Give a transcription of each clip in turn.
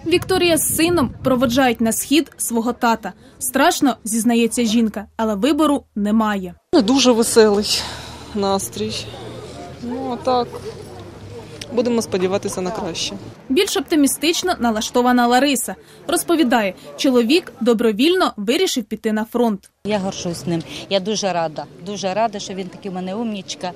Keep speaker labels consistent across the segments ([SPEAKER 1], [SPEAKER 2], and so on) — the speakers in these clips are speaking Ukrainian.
[SPEAKER 1] Вікторія з сином проводжають на схід свого тата. Страшно, зізнається жінка, але вибору немає.
[SPEAKER 2] Дуже веселий настрій. Ну, а так, будемо сподіватися на краще.
[SPEAKER 1] Більш оптимістично налаштована Лариса. Розповідає, чоловік добровільно вирішив піти на фронт.
[SPEAKER 3] Я горжусь ним. Я дуже рада, що він такий у мене умнічка.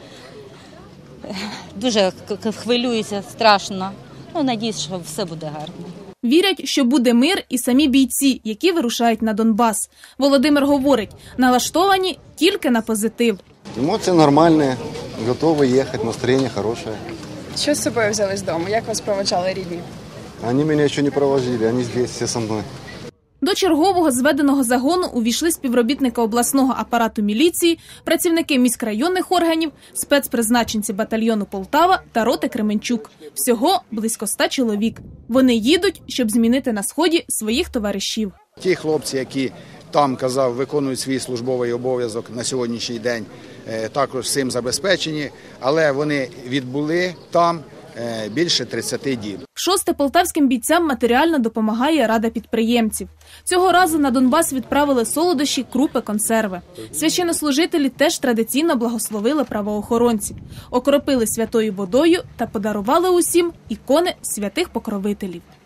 [SPEAKER 3] Дуже хвилююся, страшно. Ну, надіюсь, що все буде гарно.
[SPEAKER 1] Вірять, що буде мир і самі бійці, які вирушають на Донбас. Володимир говорить, налаштовані тільки на позитив.
[SPEAKER 4] Емоції нормальні, готові їхати, настроєння хороше.
[SPEAKER 5] Що з собою взяли з дому? Як вас проводжали рідні?
[SPEAKER 4] Вони мене ще не проводили, вони тут всі зі мною.
[SPEAKER 1] До чергового зведеного загону увійшли співробітники обласного апарату міліції, працівники міськрайонних органів, спецпризначенці батальйону Полтава та роти Кременчук. Всього близько 100 чоловік. Вони їдуть, щоб змінити на Сході своїх товаришів.
[SPEAKER 6] Ті хлопці, які там, казав, виконують свій службовий обов'язок на сьогоднішній день, також всім забезпечені, але вони відбули там більше 30 діб.
[SPEAKER 1] Шосте полтавським бійцям матеріально допомагає Рада підприємців. Цього разу на Донбас відправили солодощі, крупи, консерви. Священнослужителі теж традиційно благословили правоохоронців, окропили святою водою та подарували усім ікони святих покровителів.